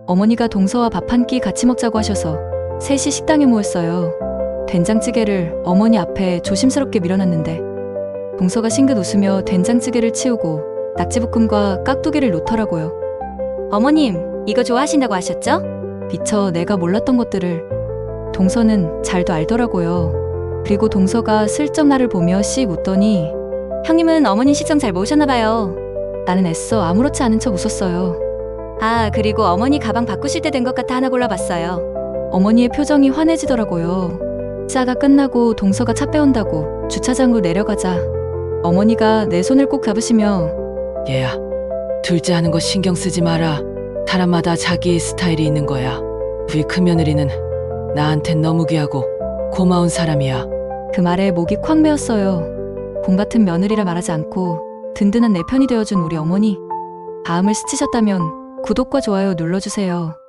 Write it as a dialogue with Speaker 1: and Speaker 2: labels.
Speaker 1: 어머니가 동서와 밥 한 끼 같이 먹자고 하셔서 셋이 식당에 모였어요. 된장찌개를 어머니 앞에 조심스럽게 밀어놨는데 동서가 싱긋 웃으며 된장찌개를 치우고 낙지볶음과 깍두기를 놓더라고요. 어머님, 이거 좋아하신다고 하셨죠? 미처 내가 몰랐던 것들을 동서는 잘도 알더라고요. 그리고 동서가 슬쩍 나를 보며 씩 웃더니 형님은 어머니 식성 잘 모으셨나 봐요. 나는 애써 아무렇지 않은 척 웃었어요. 아, 그리고 어머니 가방 바꾸실 때 된 것 같아 하나 골라봤어요. 어머니의 표정이 환해지더라고요. 싸가 끝나고 동서가 차 빼온다고 주차장으로 내려가자 어머니가 내 손을 꼭 잡으시며
Speaker 2: 얘야, 둘째 하는 거 신경 쓰지 마라. 사람마다 자기의 스타일이 있는 거야. 우리 큰며느리는 나한텐 너무 귀하고 고마운 사람이야.
Speaker 1: 그 말에 목이 콱 메었어요. 공 같은 며느리라 말하지 않고 든든한 내 편이 되어준 우리 어머니. 다음을 스치셨다면 구독과 좋아요 눌러주세요.